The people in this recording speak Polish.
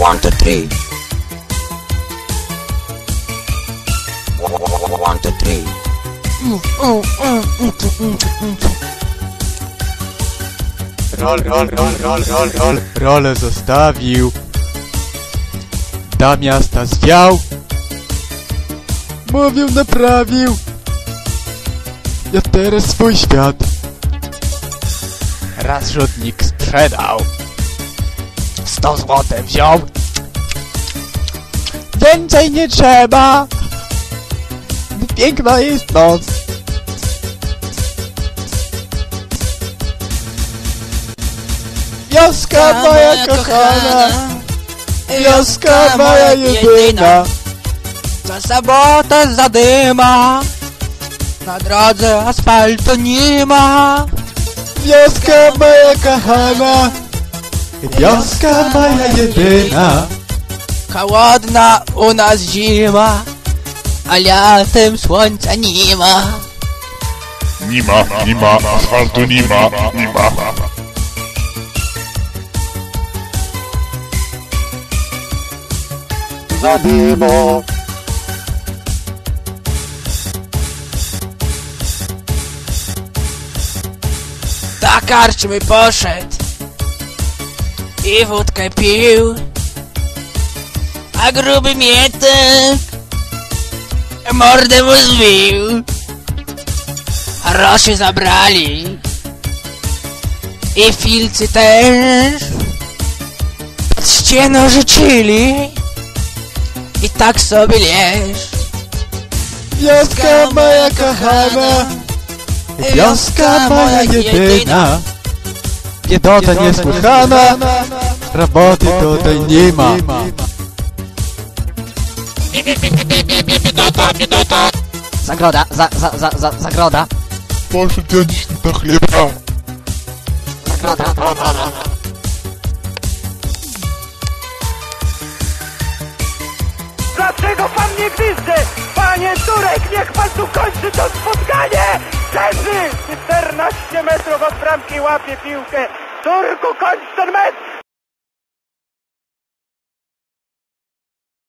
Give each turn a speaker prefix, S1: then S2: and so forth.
S1: 1, 2, 3. 1, 2, 3.
S2: Rolę zostawił, do miasta zwiał, mówił, naprawił, ja teraz swój świat raz rzutnik sprzedał, 100 zł wziął, więcej nie trzeba, bo piękna jest noc. Wioska moja kochana, wioska moja jedyna,
S3: Co sobotę zadyma, na drodze asfaltu nie ma.
S2: wioska moja kochana, wioska moja jedyna.
S3: Chłodna u nas zima, a latem słońca nie ma.
S4: Nie ma, asfaltu nie ma.
S2: Zadymo.
S3: Do karczmy poszedł i wódkę pił, a gruby mietek mordę mu zbił. Roszy zabrali i filcy też pod ścianą rzucili i tak sobie leż.
S2: Wioska moja kochana, wioska moja jedyna. Biedota niesłychana, roboty tutaj nie ma.
S3: Zagroda, zagroda.
S4: Poszedł dziś do chleba.
S5: Dlaczego pan nie gwizdze? Panie Turek, niech pan tu kończy to spotkanie! Leży! 14 metrów od bramki łapie piłkę. Turku, kończ ten mecz!